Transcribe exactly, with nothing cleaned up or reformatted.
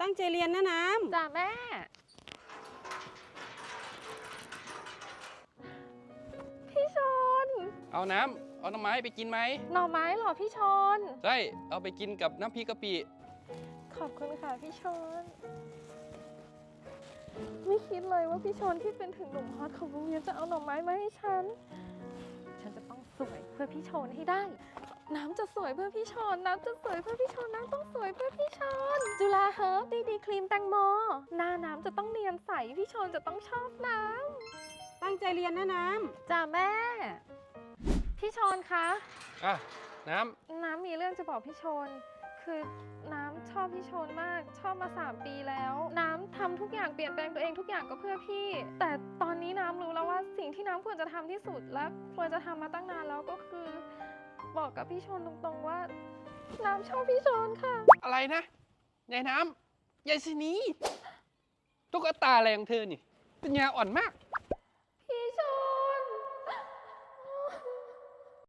ตั้งใจเรียนนะน้ำจ้าแม่พี่ชนเอาน้ำเอาหน่อไม้ไปกินไหมหน่อไม้เหรอพี่ชนใช่เอาไปกินกับน้ำพริกกะปิขอบคุณค่ะพี่ชนไม่คิดเลยว่าพี่ชนที่เป็นถึงหนุ่มฮอตของโรงเรียนจะเอาหน่อไม้มาให้ฉันฉันจะต้องสวยเพื่อพี่ชนให้ได้น้ำจะสวยเพื่อพี่ชนน้ำจะสวยเพื่อพี่ชนน้ำต้องสวยเพื่อพี่ชนจุฬาเฮิร์บดีดีครีมแตงโมหน้าน้ำจะต้องเนียนใสพี่ชนจะต้องชอบน้ำตั้งใจเรียนนะน้ำจ้าแม่พี่ชนคะอ่ะน้ำน้ำมีเรื่องจะบอกพี่ชนคือน้ำชอบพี่ชนมากชอบมาสามปีแล้วน้ำทำทุกอย่างเปลี่ยนแปลงตัวเองทุกอย่างก็เพื่อพี่แต่ตอนนี้น้ำรู้แล้วว่าสิ่งที่น้ำควรจะทำที่สุดและควรจะทำมาตั้งนานแล้วก็คือบอกกับพี่ชนตรงๆว่าน้ำชอบพี่ชนค่ะอะไรนะยายน้ำยายสินีตุ๊กตาอะไรของเธอนี่ปัญญาอ่อนมาก